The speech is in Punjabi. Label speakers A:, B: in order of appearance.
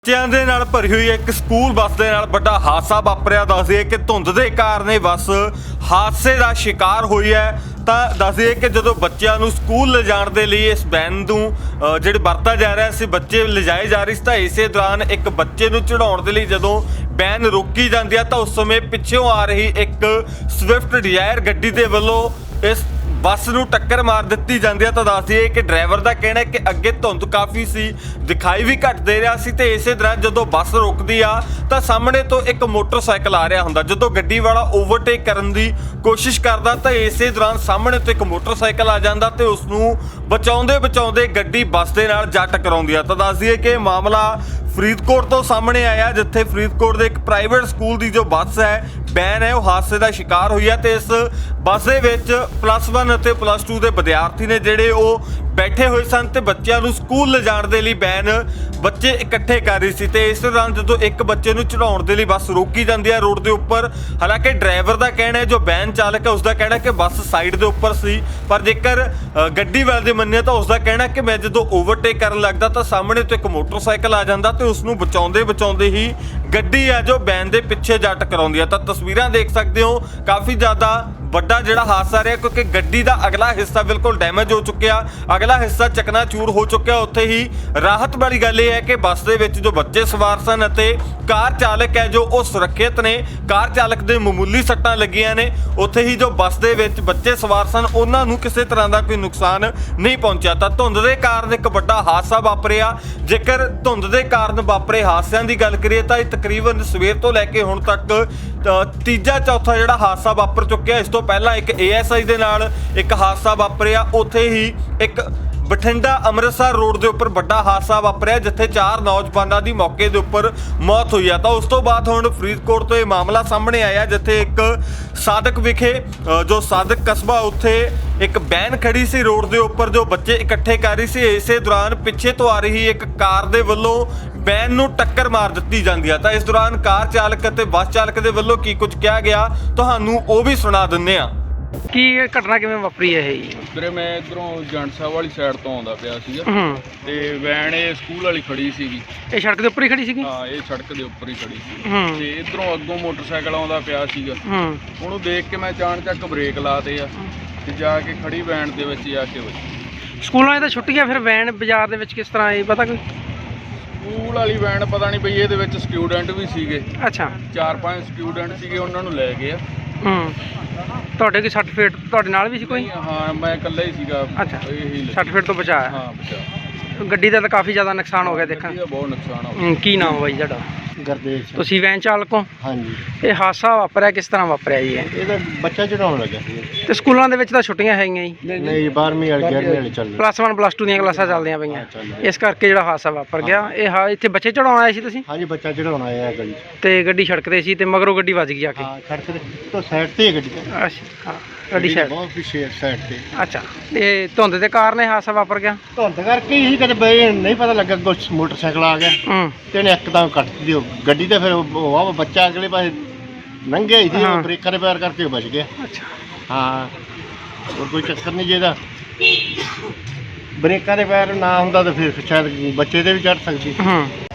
A: ਬੱਚਿਆਂ ਦੇ ਨਾਲ ਭਰੀ ਹੋਈ ਇੱਕ ਸਕੂਲ ਬੱਸ ਦੇ ਨਾਲ ਵੱਡਾ ਹਾਦਸਾ ਵਾਪਰਿਆ। ਦੱਸਦੇ ਕਿ ਧੁੰਦ ਦੇ ਕਾਰਨ ਇਹ ਬੱਸ ਹਾਦਸੇ ਦਾ ਸ਼ਿਕਾਰ ਹੋਈ ਹੈ। ਤਾਂ ਦੱਸਦੇ ਕਿ ਜਦੋਂ ਬੱਚਿਆਂ ਨੂੰ ਸਕੂਲ ਲਿਜਾਣ ਦੇ ਲਈ ਇਸ ਵੈਨ ਨੂੰ ਜਿਹੜੇ ਵਰਤਾ ਜਾ ਰਿਹਾ ਸੀ, ਬੱਚੇ ਲਿਜਾਏ ਜਾ ਰਹੇ ਸੀ, ਤਾਂ ਇਸੇ ਦੌਰਾਨ ਇੱਕ ਬੱਚੇ ਨੂੰ ਚੜਾਉਣ ਦੇ ਲਈ ਜਦੋਂ ਵੈਨ ਰੋਕੀ ਜਾਂਦੀ ਹੈ ਤਾਂ ਉਸ ਸਮੇਂ ਪਿੱਛੋਂ ਆ ਰਹੀ ਇੱਕ ਸਵਿਫਟ ਡਿਜ਼ਾਇਰ ਗੱਡੀ ਦੇ ਵੱਲੋਂ ਇਸ ਬੱਸ ਨੂੰ ਟੱਕਰ ਮਾਰ ਦਿੱਤੀ ਜਾਂਦੀ ਹੈ। ਤਾਂ ਦੱਸਦੀ ਹੈ ਕਿ ਡਰਾਈਵਰ ਦਾ ਕਹਿਣਾ ਹੈ ਕਿ ਅੱਗੇ ਧੁੰਦ ਕਾਫੀ ਸੀ, ਦਿਖਾਈ ਵੀ ਘੱਟ ਦੇ ਰਿਹਾ ਸੀ, ਤੇ ਇਸੇ ਦੌਰਾਨ ਜਦੋਂ ਬੱਸ ਰੁਕਦੀ ਆ ਤਾਂ ਸਾਹਮਣੇ ਤੋਂ ਇੱਕ ਮੋਟਰਸਾਈਕਲ ਆ ਰਿਹਾ ਹੁੰਦਾ। ਜਦੋਂ ਗੱਡੀ ਵਾਲਾ ਓਵਰਟੇਕ ਕਰਨ ਦੀ ਕੋਸ਼ਿਸ਼ ਕਰਦਾ ਤਾਂ ਇਸੇ ਦੌਰਾਨ ਸਾਹਮਣੇ ਤੋਂ ਇੱਕ ਮੋਟਰਸਾਈਕਲ ਆ ਜਾਂਦਾ ਤੇ ਉਸ ਨੂੰ ਬਚਾਉਂਦੇ ਗੱਡੀ ਬੱਸ ਦੇ ਨਾਲ ਜਾ ਟਕਰਾਉਂਦੀ ਆ। ਤਾਂ ਦੱਸਦੀ ਹੈ ਕਿ ਇਹ ਮਾਮਲਾ ਫਰੀਦਕੋਟ ਤੋਂ ਸਾਹਮਣੇ ਆਇਆ, ਜਿੱਥੇ ਫਰੀਦਕੋਟ ਦੇ ਇੱਕ ਪ੍ਰਾਈਵੇਟ ਸਕੂਲ ਦੀ ਜੋ ਬੱਸ ਹੈ, ਵੈਨ ਹੈ, ਉਹ ਹਾਦਸੇ ਦਾ ਸ਼ਿਕਾਰ ਹੋਈ ਹੈ। ਤੇ ਇਸ ਬੱਸ ਦੇ ਵਿੱਚ +1 ਅਤੇ +2 ਦੇ ਵਿਦਿਆਰਥੀ ਨੇ ਜਿਹੜੇ ਉਹ ਬੈਠੇ ਹੋਏ ਸਨ ਤੇ ਬੱਚਿਆਂ ਨੂੰ ਸਕੂਲ ਲਿਜਾਣ ਦੇ ਲਈ ਵੈਨ ਬੱਚੇ ਇਕੱਠੇ ਕਰ ਰਹੀ ਸੀ। ਤੇ ਇਸ ਦੌਰਾਨ ਜਦੋਂ ਇੱਕ ਬੱਚੇ ਨੂੰ ਚੜਾਉਣ ਦੇ ਲਈ ਬੱਸ ਰੋਕੀ ਜਾਂਦੀ ਹੈ ਰੋਡ ਦੇ ਉੱਪਰ, ਹਾਲਾਂਕਿ ਡਰਾਈਵਰ ਦਾ ਕਹਿਣਾ ਹੈ, ਜੋ ਵੈਨ ਚਾਲਕ ਹੈ, ਉਸ ਦਾ ਕਹਿਣਾ ਕਿ ਬੱਸ ਸਾਈਡ ਦੇ ਉੱਪਰ ਸੀ, ਪਰ ਜੇਕਰ ਗੱਡੀ ਵਾਲੇ ਦੀ ਮੰਨੀਏ ਤਾਂ ਉਸ ਦਾ ਕਹਿਣਾ ਕਿ ਮੈਂ ਜਦੋਂ ਓਵਰਟੇਕ ਕਰਨ ਲੱਗਦਾ ਤਾਂ ਸਾਹਮਣੇ ਤੋਂ ਇੱਕ ਮੋਟਰਸਾਈਕਲ ਆ ਜਾਂਦਾ ਤੇ ਉਸ ਨੂੰ ਬਚਾਉਂਦੇ ਹੀ ਗੱਡੀ ਆ ਜੋ ਵੈਨ ਦੇ ਪਿੱਛੇ ਜਾ ਟਕਰਾਉਂਦੀ ਹੈ। ਤਾਂ ਤਸਵੀਰਾਂ ਦੇਖ ਸਕਦੇ ਹੋ, ਕਾਫੀ ਜ਼ਿਆਦਾ ਵੱਡਾ ਜਿਹੜਾ ਹਾਦਸਾ ਰਿਹਾ, ਕਿਉਂਕਿ ਗੱਡੀ ਦਾ ਅਗਲਾ ਹਿੱਸਾ ਬਿਲਕੁਲ ਡੈਮੇਜ ਹੋ ਚੁੱਕਿਆ, ਅਗਲਾ ਹਿੱਸਾ ਚਕਨਾਚੂਰ ਹੋ ਚੁੱਕਿਆ। ਉੱਥੇ ਹੀ ਰਾਹਤ ਵਾਲੀ ਗੱਲ ਇਹ ਹੈ ਕਿ ਬੱਸ ਦੇ ਵਿੱਚ ਜੋ ਬੱਚੇ ਸਵਾਰ ਸਨ ਅਤੇ ਕਾਰ ਚਾਲਕ ਹੈ ਜੋ ਉਹ ਸੁਰੱਖਿਅਤ ਨੇ, ਕਾਰ ਚਾਲਕ ਦੇ ਮਾਮੂਲੀ ਸੱਟਾਂ ਲੱਗੀਆਂ ਨੇ। ਉੱਥੇ ਹੀ ਜੋ ਬੱਸ ਦੇ ਵਿੱਚ ਬੱਚੇ ਸਵਾਰ ਸਨ ਉਹਨਾਂ ਨੂੰ ਕਿਸੇ ਤਰ੍ਹਾਂ ਦਾ ਕੋਈ ਨੁਕਸਾਨ ਨਹੀਂ ਪਹੁੰਚਿਆ। ਤਾਂ ਧੁੰਦ ਦੇ ਕਾਰਨ ਇੱਕ ਵੱਡਾ ਹਾਦਸਾ ਵਾਪਰਿਆ। ਜੇਕਰ ਧੁੰਦ ਦੇ ਕਾਰਨ ਵਾਪਰੇ ਹਾਦਸਿਆਂ ਦੀ ਗੱਲ ਕਰੀਏ ਤਾਂ ਇਹ ਤਕਰੀਬਨ ਸਵੇਰ ਤੋਂ ਲੈ ਕੇ ਹੁਣ ਤੱਕ ਤੀਜਾ ਚੌਥਾ ਜਿਹੜਾ ਹਾਦਸਾ ਵਾਪਰ ਚੁੱਕਿਆ। ਇਸ ਤੋਂ ਪਹਿਲਾਂ ਇੱਕ ASI ਦੇ ਨਾਲ ਇੱਕ ਹਾਦਸਾ ਵਾਪਰਿਆ। ਉੱਥੇ ਹੀ ਇੱਕ ਬਠਿੰਡਾ ਅੰਮ੍ਰਿਤਸਰ ਰੋਡ ਦੇ ਉੱਪਰ ਵੱਡਾ ਹਾਦਸਾ ਵਾਪਰਿਆ, ਜਿੱਥੇ 4 ਨੌਜਵਾਨਾਂ ਦੀ ਮੌਕੇ ਦੇ ਉੱਪਰ ਮੌਤ ਹੋਈ ਆ। ਤਾਂ ਉਸ ਤੋਂ ਬਾਅਦ ਹੁਣ ਫਰੀਦਕੋਟ ਤੋਂ ਇਹ ਮਾਮਲਾ ਸਾਹਮਣੇ ਆਇਆ, ਜਿੱਥੇ ਇੱਕ ਸਾਦਕ ਵਿਖੇ ਜੋ ਸਾਦਕ ਕਸਬਾ, ਉੱਥੇ ਇੱਕ ਵੈਨ ਖੜੀ ਸੀ ਰੋਡ ਦੇ ਉੱਪਰ ਜੋ ਬੱਚੇ ਇਕੱਠੇ ਕਰ ਰਹੀ ਸੀ। ਇਸੇ ਦੌਰਾਨ ਪਿੱਛੇ ਤੋਂ ਆ ਰਹੀ ਇੱਕ ਕਾਰ ਦੇ ਵੱਲੋਂ ਵੈਨ ਨੂੰ ਟੱਕਰ ਮਾਰ ਦਿੱਤੀ ਜਾਂਦੀ ਆ। ਤਾਂ ਇਸ ਦੌਰਾਨ ਕਾਰ ਚਾਲਕ ਅਤੇ ਬੱਸ ਚਾਲਕ ਦੇ ਵੱਲੋਂ ਕੀ ਕੁਝ ਕਿਹਾ ਗਿਆ ਤੁਹਾਨੂੰ ਉਹ ਵੀ ਸੁਣਾ ਦਿੰਦੇ ਆ।
B: ਕੀ ਇਹ ਘਟਨਾ ਕਿਵੇਂ ਵਾਪਰੀ ਹੈ ਇਹ?
C: ਵੀਰੇ ਮੈਂ ਇਧਰੋਂ ਜੰਡ ਸਾਹਿਬ ਵਾਲੀ ਸਾਈਡ ਤੋਂ ਆਉਂਦਾ ਪਿਆ ਸੀਗਾ ਤੇ ਵੈਨ ਇਹ ਸਕੂਲ ਵਾਲੀ ਖੜੀ ਸੀਗੀ।
B: ਇਹ ਸੜਕ ਦੇ ਉੱਪਰ ਹੀ ਖੜੀ ਸੀਗੀ?
C: ਹਾਂ, ਇਹ ਸੜਕ ਦੇ ਉੱਪਰ ਹੀ ਖੜੀ ਸੀ ਤੇ ਇਧਰੋਂ ਅੱਗੋਂ ਮੋਟਰਸਾਈਕਲ ਆਉਂਦਾ ਪਿਆ ਸੀਗਾ। ਉਹਨੂੰ ਦੇਖ ਕੇ ਮੈਂ ਅਚਾਨਕ ਬ੍ਰੇਕ ਲਾਤੇ ਆ ਤੇ ਜਾ ਕੇ ਖੜੀ ਵੈਨ ਦੇ ਵਿੱਚ ਜਾ ਕੇ ਵੱਜੀ।
B: ਸਕੂਲਾਂ 'ਚ ਤਾਂ ਛੁੱਟੀਆਂ, ਫਿਰ ਵੈਨ ਬਾਜ਼ਾਰ ਦੇ ਵਿੱਚ ਕਿਸ ਤਰ੍ਹਾਂ ਆਈ ਪਤਾ ਕੋਈ?
C: ਸਕੂਲ ਵਾਲੀ ਵੈਨ ਪਤਾ ਨਹੀਂ ਬਈ, ਇਹਦੇ ਵਿੱਚ ਸਟੂਡੈਂਟ ਵੀ ਸੀਗੇ।
B: ਅੱਛਾ,
C: 4-5 ਸਟੂਡੈਂਟ ਸੀਗੇ, ਉਹਨਾਂ ਨੂੰ ਲੈ ਗਏ ਆ।
B: ਤੁਹਾਡੇ ਕੀ ਸਰਟੀਫਿਕੇਟ ਤੁਹਾਡੇ ਨਾਲ ਵੀ ਸੀ ਕੋਈ?
C: ਹਾਂ, ਮੈਂ ਇਕੱਲਾ ਹੀ ਸੀਗਾ।
B: ਅੱਛਾ,
C: ਇਹੀ
B: ਸਰਟੀਫਿਕੇਟ ਤੋਂ ਬਚਾਇਆ?
C: ਹਾਂ, ਬਚਾ।
B: ਗੱਡੀ ਦਾ ਤਾਂ ਕਾਫੀ ਜ਼ਿਆਦਾ ਨੁਕਸਾਨ ਹੋ ਗਿਆ ਦੇਖਾਂ।
C: ਗੱਡੀ ਦਾ ਬਹੁਤ ਨੁਕਸਾਨ ਹੋ ਗਿਆ।
B: ਕੀ ਨਾਮ ਬਾਈ ਤੁਹਾਡਾ?
D: ਗੁਰਦੇਵ ਸਿੰਘ।
B: ਤੁਸੀਂ ਵੈਨ ਚਾਲਕ ਹੋ?
D: ਹਾਂਜੀ।
B: ਇਹ ਹਾਦਸਾ ਵਾਪਰਿਆ ਕਿਸ ਤਰ੍ਹਾਂ ਵਾਪਰਿਆ ਜੀ?
D: ਇਹ ਤਾਂ ਬੱਚਾ ਚੜਾਉਣ ਲੱਗਾ ਸੀ।
B: ਤੇ ਸਕੂਲਾਂ ਦੇ ਵਿੱਚ ਤਾਂ ਛੁੱਟੀਆਂ ਹੈਗੀਆਂ ਜੀ?
D: ਨਹੀਂ, 12ਵੀਂ ਵਾਲੇ 11ਵੀਂ ਵਾਲੇ ਚੱਲ ਰਹੇ।
B: +1 +2 ਦੀਆਂ ਕਲਾਸਾਂ ਚੱਲਦੀਆਂ ਪਈਆਂ,
D: ਚੱਲ
B: ਇਸ ਕਰਕੇ ਜਿਹੜਾ ਹਾਦਸਾ ਵਾਪਰ ਗਿਆ। ਇਹ ਇੱਥੇ ਬੱਚੇ ਚੜਾਉਣ ਆਏ ਸੀ ਤੁਸੀਂ?
D: ਹਾਂਜੀ, ਬੱਚਾ ਚੜਾਉਣ ਆਇਆ ਗਲੀ 'ਚ।
B: ਤੇ ਗੱਡੀ ਸੜਕ ਤੇ ਸੀ ਤੇ ਮਗਰੋਂ ਗੱਡੀ ਵੱਜ ਗਈ ਆ ਕੇ?
D: ਹਾਂ, ਸੜਕ ਤੋਂ ਸਾਈਡ ਤੇ ਹੀ ਗੱਡੀ।
B: ਅੱਛਾ, ਹਾਂ, ਗੱਡੀ ਸਾਈਡ।
D: ਬਹੁਤ ਪਿੱਛੇ ਸਾਈਡ ਤੇ।
B: ਅੱਛਾ, ਤੇ ਧੁੰਦ ਦੇ ਕਾਰਨ ਇਹ ਹਾਦਸਾ ਵਾਪਰ ਗਿਆ?
D: ਧੁੰਦ ਕਰਕੇ ਹੀ ਕਦੇ ਬਈ ਨਹੀਂ ਪਤਾ ਲੱਗਾ, ਕੁਛ ਮੋਟਰਸਾਈਕਲ ਆ ਗਿਆ ਤੇ ਇਹਨੇ ਇੱਕਦਮ ਕੱਟ ਦਿੱਤੀ ਉਹ ਗੱਡੀ ਤੇ। ਫਿਰ ਉਹ ਬੱਚਾ ਅਗਲੇ ਪਾਸੇ ਲੰਘਿਆ ਹੀ ਸੀ, ਉਹ ਬ੍ਰੇਕਾਂ ਦੇ ਪੈਰ ਕਰਕੇ ਉਹ ਬਚ ਗਿਆ।
B: ਅੱਛਾ,
D: ਹਾਂ, ਹੋਰ ਕੋਈ ਚੱਕਰ ਨਹੀਂ। ਜਿਹਦਾ ਬ੍ਰੇਕਾਂ ਦੇ ਪੈਰ ਨਾ ਹੁੰਦਾ ਤਾਂ ਫਿਰ ਸ਼ਾਇਦ ਬੱਚੇ ਤੇ ਵੀ ਚੜ ਸਕਦੀ।